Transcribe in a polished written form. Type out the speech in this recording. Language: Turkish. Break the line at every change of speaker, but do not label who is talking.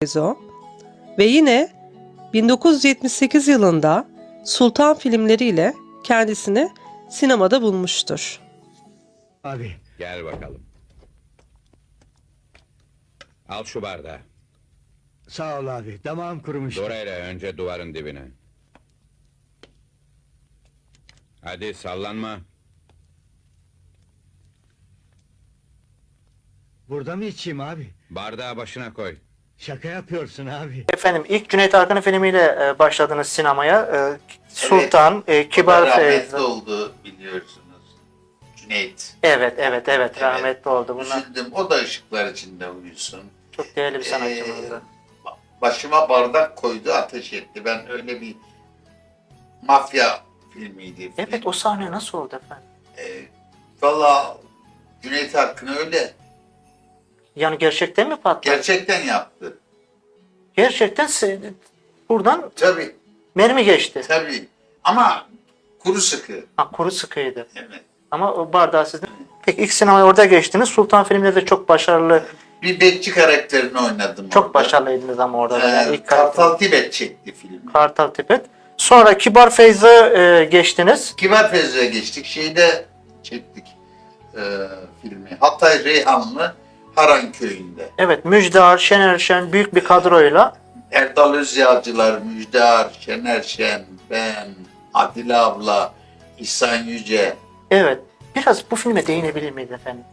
Feyzo ve yine 1978 yılında Sultan filmleriyle kendisini sinemada bulmuştur.
Abi.
Gel bakalım. Al şu bardağı.
Sağ ol abi. Damağım kurumuş.
Dorayla önce duvarın dibine. Hadi sallanma.
Burada mı içeyim abi?
Bardağı başına koy.
Şaka yapıyorsun abi.
Efendim ilk Cüneyt Arkın'ın filmiyle başladınız sinemaya. Sultan, Kibar
Rahmetli
Feyzo.
oldu biliyorsunuz. Cüneyt.
Evet rahmetli oldu bunlar.
Üzüldüm. O da ışıklar içinde uyusun.
Çok değerli bir sanatçımızdı.
Başıma bardak koydu, ateş etti. Ben öyle bir mafya filmiydi.
Evet, o sahne nasıl oldu efendim?
Valla Cüneyt Arkın öyle.
Yani gerçekten mi patladı?
Gerçekten yaptı.
Gerçekten buradan
Tabii,
mermi geçti.
tabii. Ama kuru sıkı.
Ha, kuru sıkıydı.
Evet.
Ama o bardağı sizin. Peki ilk sinemaya orada geçtiniz. Sultan filminde de çok başarılı,
Bir bekçi karakterini oynadım
çok
orada.
başarılıydınız ama orada da. Yani ilk
Kartal Tibet çekti filmi.
Kartal Tibet. Sonra Kibar Feyzo geçtiniz.
Kibar Feyzo'ya geçtik. Şeyde çektik filmi. Hatay Reyhanlı Haran köyünde.
Evet, Müjdar, Şener Şen büyük bir kadroyla.
Erdal Özyağcılar, Müjdar, Şener Şen, ben, Adile abla, İhsan Yüce.
Evet. Biraz bu filme değinebilir miyiz efendim?